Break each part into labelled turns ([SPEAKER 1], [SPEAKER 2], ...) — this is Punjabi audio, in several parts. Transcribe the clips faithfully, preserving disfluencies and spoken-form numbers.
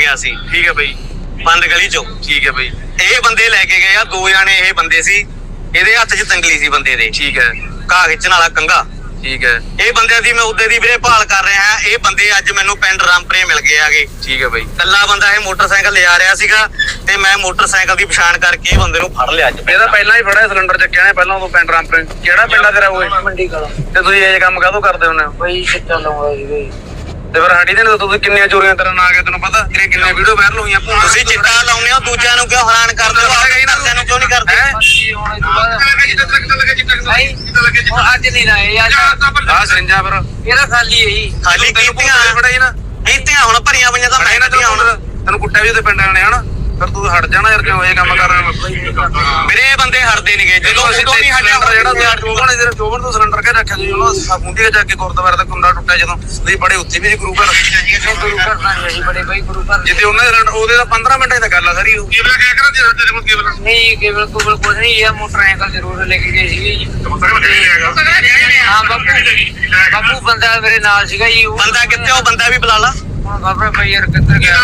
[SPEAKER 1] ਗਿਆ ਸੀ।
[SPEAKER 2] ਠੀਕ ਹੈ ਬਈ।
[SPEAKER 1] ਬੰਦ ਗਲੀ ਚੋਂ।
[SPEAKER 2] ਠੀਕ ਹੈ ਬਈ।
[SPEAKER 1] ਇਹ ਬੰਦੇ ਲੈ ਕੇ ਗਏ ਆ, ਦੋ ਜਾਣੇ ਇਹ ਬੰਦੇ ਸੀ। ਇਹਦੇ ਹੱਥ 'ਚ ਤੰਗਲੀ ਸੀ ਬੰਦੇ ਦੇ।
[SPEAKER 2] ਠੀਕ ਹੈ।
[SPEAKER 1] ਘਾਹ ਖਿੱਚਣ ਵਾਲਾ ਕੰਘਾ।
[SPEAKER 2] ਠੀਕ ਹੈ।
[SPEAKER 1] ਇਹ ਬੰਦਿਆਂ ਦੀ ਮੈਂ ਉਦੇ ਦੀ ਵੀਰੇ ਭਾਲ ਕਰ ਰਿਹਾ ਹਾਂ। ਇਹ ਬੰਦੇ ਅੱਜ ਮੈਨੂੰ ਪਿੰਡ ਰਾਮਪੁਰੇ ਮਿਲ ਗਏ ਆਗੇ।
[SPEAKER 2] ਠੀਕ ਹੈ ਬਈ।
[SPEAKER 1] ਕੱਲਾ ਬੰਦਾ ਇਹ ਮੋਟਰਸਾਈਕਲ ਲਿਆ ਰਿਹਾ ਸੀਗਾ ਤੇ ਮੈਂ ਮੋਟਰਸਾਈਕਲ ਦੀ ਪਛਾਣ ਕਰਕੇ ਇਹ ਬੰਦੇ ਨੂੰ ਫੜ ਲਿਆ ਅੱਜ।
[SPEAKER 2] ਇਹਦਾ ਪਹਿਲਾਂ ਹੀ ਫੜਿਆ ਸਿਲੰਡਰ ਚੱਕਿਆ ਨੇ ਪਹਿਲਾਂ ਉਦੋਂ ਪਿੰਡ ਰਾਮਪੁਰੇ। ਕਿਹੜਾ ਪਿੰਡ ਆ ਤੇਰਾ ਉਹ?
[SPEAKER 3] ਮੰਡੀ ਕਲਾ।
[SPEAKER 2] ਤੇ ਤੁਸੀਂ ਇਹ ਕੰਮ ਕਾਹਦੋਂ ਕਰਦੇ ਹੁੰਦੇ ਹੋ
[SPEAKER 3] ਬਈ? ਚਿੱਟਾ ਲਾਉਂਦਾ ਸੀ ਬਈ।
[SPEAKER 2] ਤੇ ਫਿਰ ਸਾਡੀ ਦੇ ਤੁਸੀਂ ਕਿੰਨੀਆਂ ਚੋਰੀਆਂ ਤੇਰਾ ਨਾਂ ਆ ਗਿਆ ਤੈਨੂੰ ਪਤਾ? ਤੇਰੇ ਕਿੰਨੇ ਵੀਡੀਓ ਵਾਇਰਲ ਹੋਈਆਂ।
[SPEAKER 1] ਤੁਸੀਂ ਚਿੱਟਾ ਲਾਉਂਦੇ ਹੋ, ਦੂਜਿਆਂ ਨੂੰ ਕਿਉਂ ਹੈਰਾਨ ਕਰਦੇ ਹੋ? ਘਰਦਿਆਂ ਨੂੰ ਕਿਉਂ ਨਹੀਂ ਕਰਦੇ?
[SPEAKER 3] ਅੱਜ ਨਹੀਂ ਨਾ ਇਹ
[SPEAKER 2] ਆ ਸਰਿੰਜਾਂ ਫਿਰ
[SPEAKER 3] ਇਹਦਾ ਖਾਲੀ ਹੈ ਜੀ।
[SPEAKER 1] ਖਾਲੀ ਕੀਤੀਆਂ
[SPEAKER 2] ਫੜਾਈ ਨਾ
[SPEAKER 1] ਕੀਤੀਆਂ ਹੁਣ ਭਰੀਆਂ ਪਈਆਂ ਤਾਂ ਮੈਂ ਕੱਢੀਆਂ ਹੁਣ।
[SPEAKER 2] ਤੈਨੂੰ ਕੁੱਟਿਆ ਵੀ ਉਹਦੇ ਪਿੰਡ ਵਾਲੇ ਨੇ ਹਨਾ। ਫਿਰ ਤੂੰ ਹਟ ਜਾਣਾ ਯਾਰ, ਕਿਉਂ ਇਹ ਕੰਮ ਕਰ ਰਿਹਾ?
[SPEAKER 1] ਵੀਰੇ ਇਹ ਬੰਦੇ ਹਟਦੇ ਨਹੀਂਗੇ। ਜਦੋਂ ਉਦੋਂ ਨਹੀਂ ਹਟਿਆ
[SPEAKER 2] ਜਿਹੜਾ ਚੋਬਣ ਇਧਰ ਚੋਬਣ ਤੋਂ ਸਿਲੰਡਰ ਕੇ ਰੱਖਿਆ ਤੁਸੀਂ ਉਹਨਾਂ ਮੁੰਡੀ ਜਾ ਕੇ ਗੁਰਦੁਆਰੇ ਦਾ ਕੁੰਡਾ ਟੁੱਟਿਆ ਜਦੋਂ ਤੁਸੀਂ ਬੜੇ ਉੱਥੇ ਵੀ ਸੀ ਗੁਰੂ ਘਰ।
[SPEAKER 3] ਗੁਰੂ ਘਰ ਨਾਲ ਅਸੀਂ ਬੜੇ ਬਈ ਗੁਰੂ ਘਰ
[SPEAKER 2] ਜਿੱਥੇ ਉਹਨਾਂ ਦੇ ਸਿਲੰਡਰ ਉਹਦੇ ਦਾ ਪੰਦਰਾਂ ਮਿੰਟਾਂ ਦੀ ਗੱਲ ਆ ਸਾਰੀ। ਕੇਬਲ ਕਿਆ ਕਰਾਂ ਜੇ ਤੇਰੇ ਕੋਲ ਕੇਬਲ
[SPEAKER 3] ਨਹੀਂ? ਕੇਬਲ ਕੋਬਲ ਕੁਝ ਨਹੀਂ। ਇਹ ਮੋਟਰਸਾਈਕਲ ਜ਼ਰੂਰ ਲੈ ਕੇ ਗਏ ਸੀਗੇ ਜੀ। ਹਾਂ ਬਾਪੂ ਬਾਪੂ ਬੰਦਾ ਮੇਰੇ ਨਾਲ ਸੀਗਾ ਜੀ। ਉਹ
[SPEAKER 1] ਬੰਦਾ ਕਿੱਥੇ? ਉਹ ਬੰਦਾ ਵੀ ਬੁਲਾ ਲਾ।
[SPEAKER 3] ਹੁਣ ਬਾਬਾ ਭਾਈ ਯਾਰ ਕਿੱਧਰ ਗਿਆ?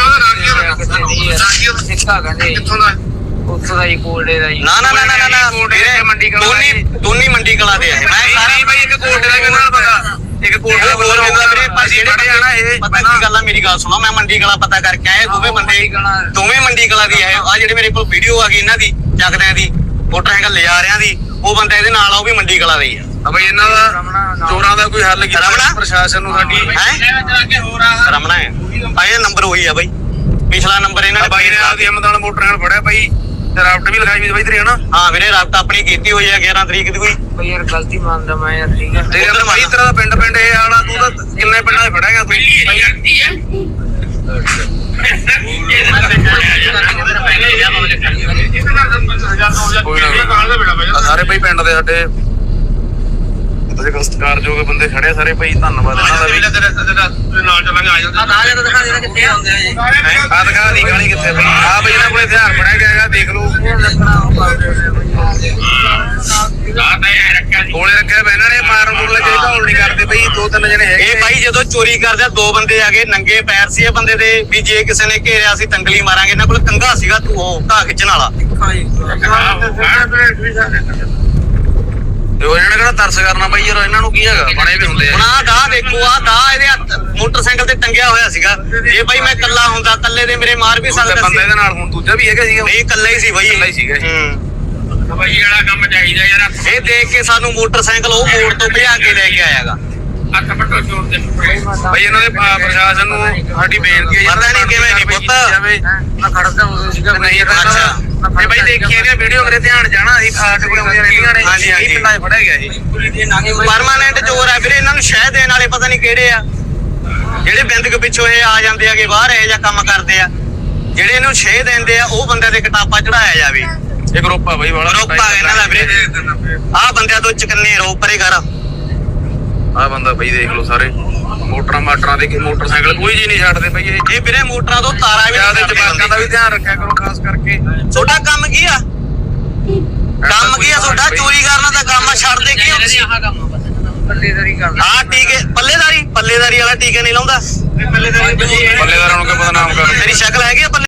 [SPEAKER 3] ਸਿੱਕਾ ਕਹਿੰਦੇ
[SPEAKER 2] ਕਿੱਥੋਂ ਦਾ?
[SPEAKER 3] ਉੱਥੋਂ ਦਾ ਜੀ ਕੋਲਡੇ ਦਾ ਜੀ।
[SPEAKER 1] ਨਾ ਨਾ ਨਾ ਨਾ ਨਾ ਵੀਰੇ
[SPEAKER 2] ਮੰਡੀ ਕਲਾ
[SPEAKER 1] ਦੋਨੀ ਦੋਨੀ ਮੰਡੀ ਕਲਾ ਦੇ ਆ। ਮੈਂ ਸਾਰਾ
[SPEAKER 2] ਬਾਈ ਇੱਕ ਕੋਲਡੇ ਦਾ ਕਹਿੰਦਾ ਬੰਦਾ, ਇੱਕ ਕੋਲਡੇ ਦਾ
[SPEAKER 1] ਹੋਰ ਹੁੰਦਾ ਵੀਰੇ। ਪਰ ਜਿਹੜੇ
[SPEAKER 2] ਜਿਹੜੇ ਆਣਾ ਇਹ
[SPEAKER 1] ਪਤਾ ਕੀ ਗੱਲ ਆ, ਮੇਰੀ ਗੱਲ ਸੁਣੋ। ਮੈਂ ਮੰਡੀ ਕਲਾ ਪਤਾ ਕਰਕੇ ਆਇਆ। ਦੋਵੇਂ ਬੰਦੇ ਦੋਵੇਂ ਮੰਡੀ ਕਲਾ ਦੀ ਆਏ ਆ। ਜਿਹੜੇ ਮੇਰੇ ਕੋਲ ਵੀਡੀਓ ਆ ਗਈ ਇਹਨਾਂ ਦੀ ਚੱਕਦਿਆਂ ਦੀ ਮੋਟਰਸਾਈਕਲ ਲਿਜਾ ਰਿਆਂ ਦੀ, ਉਹ ਬੰਦਾ ਇਹਦੇ ਨਾਲ ਆ, ਉਹ ਵੀ ਮੰਡੀ ਕਲਾ ਦਾ ਹੀ ਆ।
[SPEAKER 2] ਬਈ ਇਹਨਾਂ ਦਾ ਚੋਰਾਂ ਦਾ ਕੋਈ ਹੱਲ ਕੀਤਾ ਪ੍ਰਸ਼ਾਸਨ ਨੂੰ ਸਾਡੀ
[SPEAKER 1] ਹੈ? ਰਮਣਾ ਹੈ ਆ। ਇਹ ਨੰਬਰ ਉਹੀ ਆ ਬਾਈ, ਪਿਛਲਾ ਨੰਬਰ ਇਹਨਾਂ ਨੇ
[SPEAKER 2] ਬਾਈ ਨੇ ਆਪਦੀ ਹਿੰਮਤ ਨਾਲ ਮੋਟਰਸਾਈਕਲ ਫੜਿਆ ਬਾਈ ਤੇ ਰਾਫਟ ਵੀ ਲਗਾਈ ਵੀ ਬਾਈ ਤੇਰੀ ਹਨਾ।
[SPEAKER 1] ਹਾਂ ਵੀਰੇ ਰਾਬਤ ਆਪਣੀ ਕੀਤੀ ਹੋਈ ਆ ਗਿਆਰਾਂ ਤਰੀਕ ਦੀ ਕੋਈ।
[SPEAKER 3] ਬਈ ਯਾਰ ਗਲਤੀ ਮੰਨਦਾ ਮੈਂ ਯਾਰ। ਠੀਕ ਹੈ
[SPEAKER 2] ਤੇ ਯਾਰ ਬਾਈ ਤੇਰਾ ਪਿੰਡ ਪਿੰਡ ਇਹ ਆਲਾ ਤੂੰ ਤਾਂ ਕਿੰਨੇ ਪਿੰਡਾਂ 'ਚ ਫੜਿਆ ਗਿਆ ਤੂੰ? ਸਾਰੇ ਬਈ ਪਿੰਡ ਦੇ ਸਾਡੇ ਤੁਸੀਂ ਸਤਿਕਾਰਯੋਗ ਬੰਦੇ ਖੜੇ ਸਾਰੇ ਭਾਈ, ਧੰਨਵਾਦ ਇਹਨਾਂ ਦਾ ਵੀ। ਨਾਲ ਚੱਲਾਂਗੇ ਆ ਜਾਂਦਾ
[SPEAKER 3] ਆ ਜਾ ਦਿਖਾ ਦੇ ਕਿੱਥੇ ਆਉਂਦੇ ਆ ਜੀ।
[SPEAKER 2] ਆ ਦਿਖਾ ਦੀ ਗਾਲੀ ਕਿੱਥੇ ਬਈ? ਆ ਬਈ ਇਹਨਾਂ ਕੋਲੇ ਹਥਿਆਰ ਫੜਿਆ ਗਿਆ ਹੈਗਾ, ਦੇਖ ਲਓ। ਕੋਲੇ ਰੱਖਿਆ ਬਈ ਇਹਨਾਂ ਨੇ, ਮਾਰਨ ਮੁਰਨ ਲੱਗੇ ਢੋਲ ਨਹੀਂ ਕਰਦੇ ਬਈ। ਦੋ ਤਿੰਨ ਜਣੇ ਹੈਗੇ
[SPEAKER 1] ਇਹ ਬਾਈ ਜਦੋਂ ਚੋਰੀ ਕਰਦੇ ਦੋ ਬੰਦੇ ਆ ਗਏ, ਨੰਗੇ ਪੈਰ ਸੀ ਇਹ ਬੰਦੇ ਦੇ ਵੀ ਜੇ ਕਿਸੇ ਨੇ ਘੇਰਿਆ ਸੀ ਤੰਗਲੀ ਮਾਰਾਂਗੇ। ਇਹਨਾਂ ਕੋਲ ਕੰਘਾ ਸੀਗਾ ਤੂੰ ਉਹ ਘਾਹ ਖਿੱਚਣ ਵਾਲਾ।
[SPEAKER 2] ਤੇ ਉਹ ਇਹਨਾਂ ਨੇ ਕਿਹੜਾ ਤਰਸ ਕਰਨਾ ਬਈ ਯਾਰ, ਇਹਨਾਂ ਨੂੰ ਕੀ ਹੈਗਾ, ਬਣੇ ਵੀ ਹੁੰਦੇ
[SPEAKER 1] ਹੁਣ
[SPEAKER 2] ਆ।
[SPEAKER 1] ਆਹ ਦਾ ਦੇਖੋ, ਆਹ ਦਾ ਇਹਦੇ ਹੱਥ ਮੋਟਰਸਾਈਕਲ ਤੇ ਟੰਗਿਆ ਹੋਇਆ ਸੀਗਾ। ਇਹ ਬਾਈ ਮੈਂ ਕੱਲਾ ਹੁੰਦਾ, ਕੱਲੇ ਦੇ ਮੇਰੇ ਮਾਰ ਵੀ ਸਕਦਾ
[SPEAKER 2] ਬੰਦਾ
[SPEAKER 1] ਸੀ।
[SPEAKER 2] ਇਹਦੇ ਨਾਲ ਹੁਣ ਦੂਜਾ ਵੀ ਹੈਗਾ ਸੀਗਾ?
[SPEAKER 1] ਨਹੀਂ ਕੱਲਾ ਹੀ ਸੀ ਬਾਈ।
[SPEAKER 2] ਕੱਲਾ ਹੀ ਸੀਗਾ।
[SPEAKER 1] ਹੂੰ
[SPEAKER 2] ਬਾਈ ਵਾਲਾ ਕੰਮ ਚਾਹੀਦਾ ਯਾਰ।
[SPEAKER 1] ਇਹ ਦੇਖ ਕੇ ਸਾਨੂੰ ਮੋਟਰਸਾਈਕਲ ਉਹ ਮੋੜ ਤੋਂ ਭਜਾ ਕੇ ਲੈ ਕੇ ਆਇਆਗਾ।
[SPEAKER 2] ਅੱਖ ਪੱਟੋ ਚੋਰ ਦੇ ਬਈ ਇਹਨਾਂ ਦੇ ਪ੍ਰਸ਼ਾਸਨ ਨੂੰ ਸਾਡੀ ਬੇਨਤੀ ਹੈ
[SPEAKER 1] ਪਤਾ ਨਹੀਂ ਕਿਵੇਂ ਨਹੀਂ ਪੁੱਤ।
[SPEAKER 3] ਮੈਂ ਖੜਦਾ ਹੁੰਦਾ ਸੀਗਾ
[SPEAKER 2] ਨਹੀਂ
[SPEAKER 1] ਅੱਛਾ
[SPEAKER 2] ਤੇ ਬਾਈ ਦੇਖੀ ਇਹਦੀਆਂ ਵੀਡੀਓ ਮੇਰੇ ਧਿਆਨ ਜਾਣਾ ਅਸੀਂ ਸਾਡੇ ਕੋਲ ਆਉਂਦੀਆਂ ਰਹਿੰਦੀਆਂ ਨੇ।
[SPEAKER 1] ਹਾਂਜੀ, ਹਾਂਜੀ।
[SPEAKER 2] ਇਹ ਪਿੰਡਾਂ 'ਚ ਫੜਿਆ ਗਿਆ ਇਹ
[SPEAKER 1] ਪਰਮਾਨੈਂਟ ਚੋਰ ਆ ਵੀਰੇ। ਇਹਨਾਂ ਨੂੰ ਸ਼ਹਿ ਦੇਣ ਵਾਲੇ ਪਤਾ ਨਹੀਂ ਕਿਹੜੇ ਆ, ਜਿਹੜੇ ਬਿੰਦਕ ਪਿੱਛੋਂ ਇਹ ਆ ਜਾਂਦੇ ਆਗੇ ਬਾਹਰ ਇਹ ਜਾਂ ਕੰਮ ਕਰਦੇ ਆ। ਜਿਹੜੇ ਇਹਨੂੰ ਸ਼ਹਿ ਦਿੰਦੇ ਆ ਉਹ ਬੰਦਿਆਂ ਦੇ ਕਟਾਪਾ ਚੜਾਇਆ ਜਾਵੇ।
[SPEAKER 2] ਇਹ ਗਰੁੱਪ ਆ ਬਾਈ ਵਾਲਾ
[SPEAKER 1] ਗਰੁੱਪ ਆ ਇਹਨਾਂ ਦਾ ਵੀਰੇ। ਆਹ ਬੰਦਿਆਂ ਤੋਂ ਚਕੰਨੇ ਰੋ ਪਰੇ ਕਰ।
[SPEAKER 2] ਆਹ ਬੰਦਾ ਬਈ ਦੇਖ ਲਓ ਸਾਰੇ ਮੋਟਰਾਂ ਮਾਟਰਾਂ ਦੇ ਮੋਟਰਸਾਈਕਲ ਕੋਈ ਜੀ ਨਹੀਂ ਛੱਡਦੇ ਬਈ। ਇਹ
[SPEAKER 1] ਇਹ ਵੀਰੇ ਮੋਟਰਾਂ ਤੋਂ ਤਾਰਾਂ ਵੀ
[SPEAKER 2] ਜਿਆਦਾ ਜਵਾਕਾਂ ਦਾ ਵੀ ਧਿਆਨ ਰੱਖਿਆ ਕਰੋ ਖਾਸ ਕਰਕੇ।
[SPEAKER 1] ਤੁਹਾਡਾ ਕੰਮ ਕੀ ਆ? ਕੰਮ ਕੀ ਆ ਤੁਹਾਡਾ? ਚੋਰੀ ਕਰਨਾ ਤਾਂ ਕੰਮ ਆ, ਛੱਡਦੇ ਕੀ ਹੋ ਤੁਸੀਂ?
[SPEAKER 3] ਆਹ ਕੰਮ ਬਸ ਪੱਲੇਦਾਰੀ ਕਰਦਾ।
[SPEAKER 1] ਆਹ ਟੀਕੇ ਪੱਲੇਦਾਰੀ ਪੱਲੇਦਾਰੀ ਵਾਲਾ ਟੀਕੇ ਨਹੀਂ ਲਾਉਂਦਾ।
[SPEAKER 2] ਪੱਲੇਦਾਰਾਂ ਨੂੰ ਕਿ ਬਦਨਾਮ ਕਰ।
[SPEAKER 1] ਤੇਰੀ ਸ਼ਕਲ ਹੈਗੀ ਆ ਪੱਲੇ